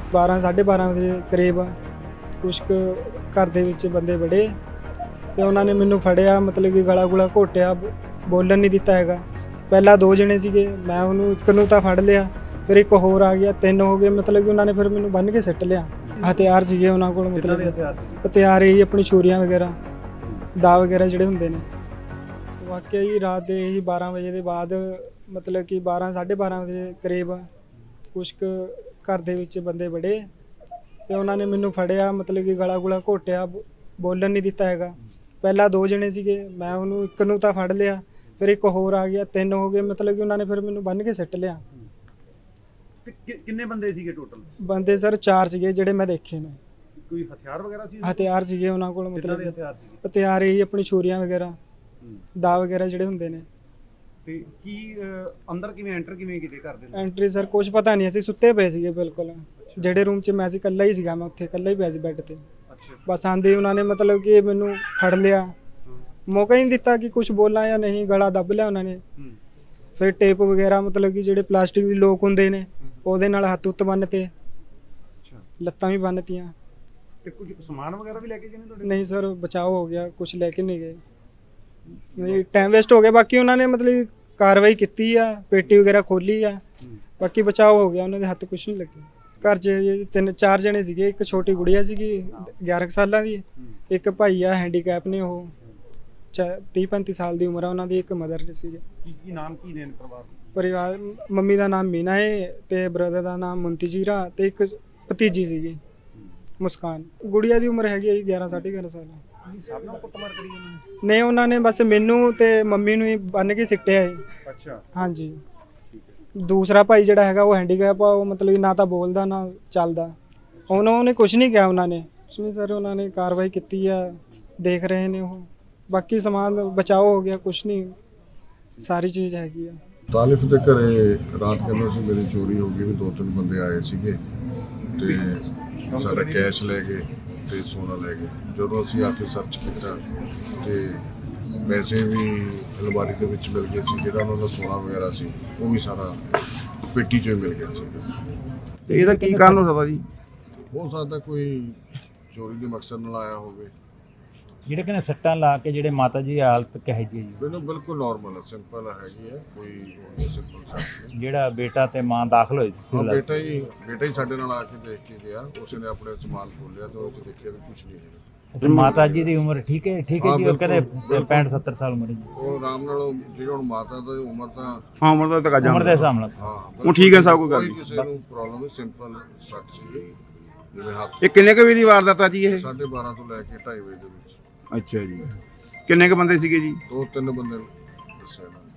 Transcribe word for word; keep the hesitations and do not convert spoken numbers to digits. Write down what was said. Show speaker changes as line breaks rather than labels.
ਬਾਰਾਂ ਸਾਢੇ ਬਾਰਾਂ ਵਜੇ ਕਰੀਬ ਕੁਛ ਕੁ ਘਰ ਦੇ ਵਿੱਚ ਬੰਦੇ ਵੜੇ ਤੇ ਉਹਨਾਂ ਨੇ ਮੈਨੂੰ ਫੜਿਆ, ਮਤਲਬ ਕਿ ਗਲਾ ਗੁਲਾ ਘੋਟਿਆ, ਬੋਲਣ ਨਹੀਂ ਦਿੱਤਾ ਹੈਗਾ। ਪਹਿਲਾਂ ਦੋ ਜਣੇ ਸੀਗੇ, ਮੈਂ ਉਹਨੂੰ ਇੱਕ ਨੂੰ ਤਾਂ ਫੜ ਲਿਆ, ਫਿਰ ਇੱਕ ਹੋਰ ਆ ਗਿਆ, ਤਿੰਨ ਹੋ ਗਏ। ਮਤਲਬ ਕਿ ਉਹਨਾਂ ਨੇ ਫਿਰ ਮੈਨੂੰ ਬੰਨ੍ਹ ਕੇ ਸਿੱਟ ਲਿਆ। ਹਥਿਆਰ ਸੀਗੇ ਉਹਨਾਂ ਕੋਲ, ਮਤਲਬ ਹਥਿਆਰ ਇਹ ਆਪਣੀ ਛੁਰੀਆਂ ਵਗੈਰਾ, ਦਾ ਵਗੈਰਾ ਜਿਹੜੇ ਹੁੰਦੇ ਨੇ। ਵਾਕਿਆ ਹੀ ਰਾਤ ਦੇ ਹੀ ਬਾਰਾਂ ਵਜੇ ਦੇ ਬਾਅਦ, ਮਤਲਬ ਕਿ ਬਾਰਾਂ ਸਾਢੇ ਬਾਰਾਂ ਵਜੇ ਕਰੀਬ ਕੁਛ ਕੁ ਘਰ ਦੇ ਵਿੱਚ ਬੰਦੇ ਵੜੇ ਤੇ ਉਹਨਾਂ ਨੇ ਮੈਨੂੰ ਫੜਿਆ, ਮਤਲਬ ਕਿ ਗਲਾ ਗੁਲਾ ਘੋਟਿਆ, ਬੋਲਣ ਨਹੀਂ ਦਿੱਤਾ ਹੈਗਾ। ਪਹਿਲਾਂ ਦੋ ਜਣੇ ਸੀਗੇ, ਮੈਂ ਉਹਨੂੰ ਇੱਕ ਨੂੰ ਤਾਂ ਫੜ ਲਿਆ, ਫਿਰ ਇੱਕ ਹੋਰ ਆ ਗਿਆ, ਤਿੰਨ ਹੋ ਗਏ। ਮਤਲਬ ਕਿ ਉਹਨਾਂ ਨੇ ਫਿਰ ਮੈਨੂੰ ਬੰਨ੍ਹ ਕੇ ਸਿੱਟ ਲਿਆ।
ਤੇ ਕਿੰਨੇ ਬੰਦੇ ਸੀਗੇ ਟੋਟਲ?
ਬੰਦੇ ਸਰ ਚਾਰ ਸੀਗੇ ਜਿਹੜੇ ਮੈਂ ਦੇਖੇ ਨੇ।
ਕੋਈ ਹਥਿਆਰ ਵਗੈਰਾ ਸੀ?
ਹਥਿਆਰ ਸੀਗੇ ਉਹਨਾਂ ਕੋਲ, ਮਤਲਬ
ਹਥਿਆਰ ਸੀਗੇ?
ਹਥਿਆਰ ਇਹੀ ਆਪਣੀ ਛੁਰੀਆਂ ਵਗੈਰਾ, ਦਾ ਵਗੈਰਾ ਜਿਹੜੇ ਹੁੰਦੇ ਨੇ।
ਤੇ ਕੀ ਅੰਦਰ ਕਿਵੇਂ ਐਂਟਰ ਕਿਵੇਂ ਕੀਤੇ ਘਰ ਦੇ?
ਐਂਟਰੀ ਸਰ ਕੁਝ ਪਤਾ ਨਹੀਂ, ਅਸੀਂ ਸੁੱਤੇ ਪਏ ਸੀਗੇ ਬਿਲਕੁਲ। ਜਿਹੜੇ ਰੂਮ 'ਚ ਮੈਂ ਸੀ ਇਕੱਲਾ ਹੀ ਸੀਗਾ, ਮੈਂ ਉੱਥੇ ਇਕੱਲਾ ਹੀ ਪਿਆ ਸੀ ਬੈੱਡ ਤੇ। ਬਸ ਆਂਦੇ ਉਹਨਾਂ ਨੇ ਮਤਲਬ ਕਿ ਮੈਨੂੰ ਫੜ ਲਿਆ, ਮੌਕਾ ਹੀ ਨਹੀਂ ਦਿੱਤਾ ਕਿ ਕੁਝ ਬੋਲਾਂ ਜਾਂ ਨਹੀਂ, ਗਲਾ ਦੱਬ ਲਿਆ ਉਹਨਾਂ ਨੇ। ਫਿਰ ਟੇਪ ਵਗੈਰਾ, ਮਤਲਬ ਕਿ ਜਿਹੜੇ ਪਲਾਸਟਿਕ ਦੇ ਲੋਕ ਹੁੰਦੇ ਨੇ, ਉਹਦੇ ਨਾਲ ਹੱਥ ਉੱਤ ਬੰਨ੍ਹ ਤੇ, ਲੱਤਾਂ ਵੀ ਬੰਨ੍ਹਤੀਆਂ।
ਤੇ ਕੁਝ ਸਮਾਨ ਵਗੈਰਾ ਵੀ ਲੈ ਕੇ ਗਏ ਨੇ ਤੁਹਾਡੇ?
ਨਹੀਂ ਸਰ, ਬਚਾਅ ਹੋ ਗਿਆ, ਕੁਝ ਲੈ ਕੇ ਨਹੀਂ ਗਏ। ਨਹੀਂ, ਟਾਈਮ ਵੇਸਟ ਹੋ ਗਿਆ। ਬਾਕੀ ਉਹਨਾਂ ਨੇ ਮਤਲਬ ਕਾਰਵਾਈ ਕੀਤੀ ਆ, ਪੇਟੀ ਵਗੈਰਾ ਖੋਲੀ ਆ, ਬਾਕੀ ਬਚਾਅ ਹੋ ਗਿਆ, ਉਹਨਾਂ ਦੇ ਹੱਥ ਕੁਝ ਨਹੀਂ ਲੱਗੇ। ਘਰ 'ਚ ਤਿੰਨ ਚਾਰ ਜਣੇ ਸੀਗੇ, ਇੱਕ ਛੋਟੀ ਗੁੜੀਆ ਸੀਗੀ ਗਿਆਰਾਂ ਸਾਲਾਂ ਦੀ, ਇੱਕ ਭਾਈ ਆ ਹੈਂਡੀਕੈਪ ਨੇ, ਉਹ ਤੀਹ ਪੈਂਤੀ ਸਾਲ ਦੀ ਉਮਰ ਆ ਉਹਨਾਂ ਦੀ, ਇੱਕ ਮਦਰ ਸੀਗੇ।
ਕੀ ਕੀ ਨਾਮ ਕੀ ਨੇ ਪਰਿਵਾਰ?
ਪਰਿਵਾਰ ਮੰਮੀ ਦਾ ਨਾਮ ਮੀਨਾ ਹੈ ਤੇ ਬ੍ਰਦਰ ਦਾ ਨਾਮ ਮੁੰਤਜੀਰਾ ਤੇ ਇੱਕ ਭਤੀਜੀ ਸੀਗੀ ਮੁਸਕਾਨ। ਗੁੜੀਆ ਦੀ ਉਮਰ ਹੈਗੀ ਹੈ ਗਿਆਰਾਂ ਸਾਢੇ ਗਿਆਰਾਂ ਸਾਲ।
ਸਭ ਨਾਲ ਕੁੱਟਮਾਰ ਕਰੀ ਜਾਂਦੇ ਨੇ?
ਨਹੀਂ, ਉਹਨਾਂ ਨੇ ਬਸ ਮੈਨੂੰ ਤੇ ਮੰਮੀ ਨੂੰ ਹੀ ਬੰਨ੍ਹ ਕੇ ਸਿੱਟਿਆ ਹੈ।
ਅੱਛਾ,
ਹਾਂਜੀ। ਦੂਸਰਾ ਭਾਈ ਜਿਹੜਾ ਹੈਗਾ ਉਹ ਹੈਂਡੀਕੈਪ ਆ, ਉਹ ਮਤਲਬ ਨਾ ਤਾਂ ਬੋਲਦਾ ਨਾ ਚੱਲਦਾ। ਉਹਨਾਂ ਨੇ ਕੁਝ ਨਹੀਂ ਕਿਹਾ, ਉਹਨਾਂ ਨੇ ਕੁਛ ਨਹੀਂ ਸਰ, ਉਹਨਾਂ ਨੇ ਕਾਰਵਾਈ ਕੀਤੀ ਆ, ਦੇਖ ਰਹੇ ਨੇ ਉਹ। ਬਾਕੀ ਸਮਾਨ ਬਚਾਓ ਹੋ ਗਿਆ, ਕੁਛ ਨਹੀਂ, ਸਾਰੀ ਚੀਜ਼ ਹੈਗੀ ਆ।
ਤਾਲਿਫ ਦੇ ਘਰੇ ਰਾਤ ਕਹਿੰਦਾ ਸੀ ਮੇਰੀ ਚੋਰੀ ਹੋ ਗਈ, ਵੀ ਦੋ ਤਿੰਨ ਬੰਦੇ ਆਏ ਸੀਗੇ ਤੇ ਸਾਡਾ ਕੈਸ਼ ਲੈ ਗਏ ਤੇ ਸੋਨਾ ਲੈ ਗਏ। ਜਦੋਂ ਅਸੀਂ ਆ ਕੇ ਸਰਚ ਕੀਤਾ ਤੇ ਪੈਸੇ ਵੀ ਅਲਮਾਰੀ ਦੇ ਵਿੱਚ ਮਿਲ ਗਏ ਸੀ, ਜਿਹੜਾ ਉਹਨਾਂ ਦਾ ਸੋਨਾ ਵਗੈਰਾ ਸੀ ਉਹ ਵੀ ਸਾਰਾ ਪੇਟੀ 'ਚੋਂ ਹੀ ਮਿਲ ਗਿਆ ਸੀ।
ਤੇ ਇਹਦਾ ਕੀ ਕਾਰਨ ਹੋ ਸਕਦਾ ਜੀ?
ਹੋ ਸਕਦਾ ਕੋਈ ਚੋਰੀ ਦੇ ਮਕਸਦ ਨਾਲ ਆਇਆ ਹੋਵੇ।
ਜਿਹੜੇ ਕਹਿੰਦੇ ਸੱਟਾਂ ਲਾ ਕੇ ਜਿਹੜੇ ਮਾਤਾ ਜੀ ਦੀ ਹਾਲਤ ਕਿਹੋ ਜਿਹੀ ਹੈ ਜੀ?
ਮੈਨੂੰ ਬਿਲਕੁਲ ਨਾਰਮਲ ਹੈ, ਸਿੰਪਲ ਹੈਗੀ ਹੈ, ਕੋਈ ਸਿੰਪਲ ਸੱਟ।
ਜਿਹੜਾ ਬੇਟਾ ਤੇ ਮਾਂ ਦਾਖਲ ਹੋਏ ਸੀ?
ਹਾਂ, ਬੇਟਾ ਹੀ ਬੇਟਾ ਹੀ ਸਾਡੇ ਨਾਲ ਆ ਕੇ ਦੇਖ ਕੇ ਗਿਆ, ਉਸਨੇ ਆਪਣੇ ਸਮਾਨ ਖੋਲ੍ਹਿਆ ਤੇ ਉਹ 'ਚ ਦੇਖਿਆ ਵੀ ਕੁਝ ਨਹੀਂ ਹੈ।
ਤੇ ਮਾਤਾ ਜੀ ਦੀ ਉਮਰ ਠੀਕ ਹੈ? ਠੀਕ ਹੈ ਜੀ, ਉਹ ਕਹਿੰਦੇ ਪੈਂਹਠ ਸੱਤਰ ਸਾਲ ਉਮਰ ਹੈ ਜੀ।
ਉਹ ਆਰਾਮ ਨਾਲ, ਜਿਹੜੀ ਹੁਣ ਮਾਤਾ ਦੀ ਉਮਰ ਤਾਂ
ਹਾਂ ਉਮਰ ਦਾ ਤਾਂ
ਉਮਰ ਦੇ ਹਿਸਾਬ ਨਾਲ
ਹਾਂ
ਉਹ ਠੀਕ ਹੈ, ਸਭ ਕੋਈ ਗੱਲ
ਕੋਈ ਕਿਸੇ ਨੂੰ ਪ੍ਰੋਬਲਮ ਨਹੀਂ, ਸਿੰਪਲ ਸੱਟ ਸੀ ਜਿਵੇਂ ਹੱਥ।
ਇਹ ਕਿੰਨੇ ਕੁ ਵਜੇ ਦੀ ਵਾਰਦਾਤ ਆ ਜੀ ਇਹ?
ਸਾਢੇ ਬਾਰਾਂ ਤੋਂ ਲੈ ਕੇ ਢਾਈ ਵਜੇ ਦੇ ਵਿੱਚ।
ਅੱਛਾ ਜੀ, ਕਿੰਨੇ ਕੁ ਬੰਦੇ ਸੀਗੇ ਜੀ?
ਦੋ ਤਿੰਨ ਬੰਦੇ ਦੱਸਿਆ ਇਹਨਾਂ ਨੇ।